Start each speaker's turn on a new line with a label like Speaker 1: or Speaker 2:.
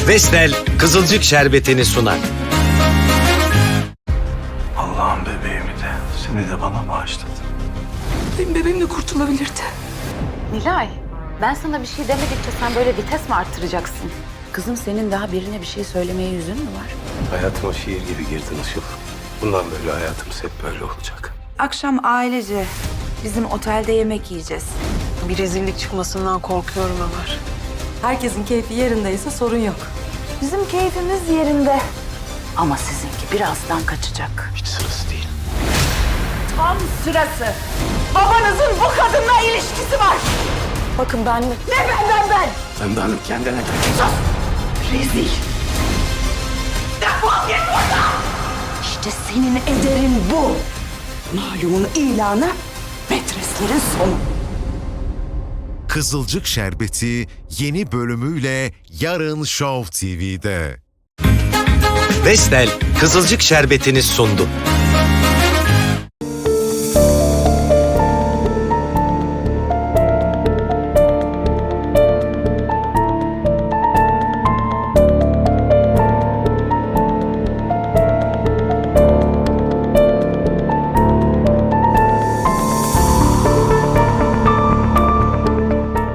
Speaker 1: Vestel Kızılcık Şerbeti'ni sunar.
Speaker 2: Allah'ım bebeğimi de seni de bana bağışladı.
Speaker 3: Benim bebeğim de kurtulabilirdi.
Speaker 4: Nilay, ben sana bir şey demedikçe sen böyle vites mi arttıracaksın? Kızım senin daha birine bir şey söylemeye yüzün mü var?
Speaker 2: Hayatıma şiir gibi girdin Işıl. Bundan böyle hayatımız hep böyle olacak.
Speaker 3: Akşam ailece bizim otelde yemek yiyeceğiz.
Speaker 5: Bir rezillik çıkmasından korkuyorum Ömer.
Speaker 3: Herkesin keyfi yerindeyse sorun yok. Bizim keyfimiz yerinde.
Speaker 4: Ama sizinki birazdan kaçacak.
Speaker 2: Hiç sırası değil.
Speaker 4: Tam sırası. Babanızın bu kadınla ilişkisi var.
Speaker 3: Bakın ben...
Speaker 4: Ne benden ben?
Speaker 2: Pembe Hanım kendine gel.
Speaker 4: Rezil. Defol git buradan. İşte senin ederin bu. Malumun ilanı, metreslerin sonu.
Speaker 6: Kızılcık Şerbeti yeni bölümüyle yarın Show TV'de.
Speaker 1: Vestel Kızılcık Şerbeti'ni sundu.